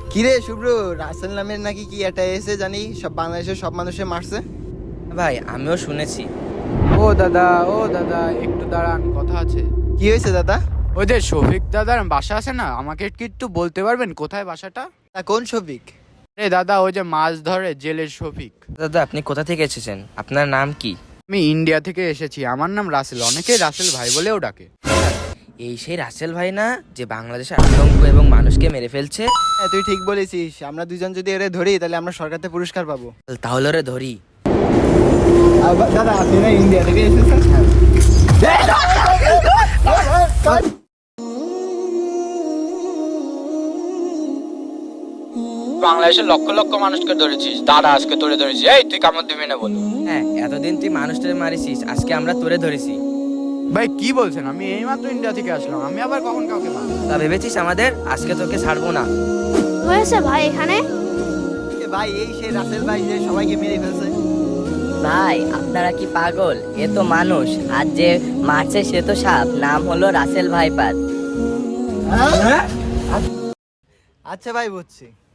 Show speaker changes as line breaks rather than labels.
কিরে শুভ্র, রাসেল নামের নাকি কি একটা এসে জানি সব বাংলাদেশের সব মানুষে মারছে।
ভাই আমিও শুনেছি।
ও দাদা একটু দাঁড়ান, কথা আছে।
কি হয়েছে দাদা?
ওই যে শফিক দাদার বাসা আছে না, আমাকে কি একটু বলতে পারবেন কোথায় বাসাটা?
তা কোন শফিক?
রে দাদা, ওই যে মাছ ধরে জেলের শফিক।
দাদা আপনি কোথা থেকে এসেছেন, আপনার নাম কি?
আমি ইন্ডিয়া থেকে এসেছি, আমার নাম রাসেল, অনেকেই রাসেল ভাই বলেও ডাকে।
এই সেই রাসেল ভাই না, যে বাংলাদেশে আতঙ্ক এবং মানুষকে মেরে ফেলছে?
হ্যাঁ তুই ঠিক বলেছিস, আমরা দুজন যদি এরে ধরি তাহলে আমরা সরকার থেকে পুরস্কার পাবো।
তাহলে ওরে ধরি।
দাদা আপনি না ইন্ডিয়া থেকে এসেছেন?
বাংলাদেশের লক্ষ লক্ষ মানুষকে ধরেছিস, দাদা আজকে তোরে ধরেছি। এই তুই কামড় দিবি না বল।
হ্যাঁ, এতদিন তুই মানুষটারে মারিছিস, আজকে আমরা তোরে ধরেছি।
ভাই কি বলছেন? আমি এইমাত্র ইন্ডিয়া থেকে আসলাম, আমি আবার কখন কাউকে মারবো?
তা ভেবেছিস আমাদের? আজকে তোকে ছাড়বো না।
হয়েছে ভাই এখানে?
ভাই এই সেই রাসেল ভাই যে সবাইকে মেরে ফেলছে।
ভাই আপনারা কি পাগল? এ তো মানুষ, আর যে মারছে সে তো সাপ, নাম হলো রাসেল ভাইপার।
আচ্ছা ভাই বুঝছি।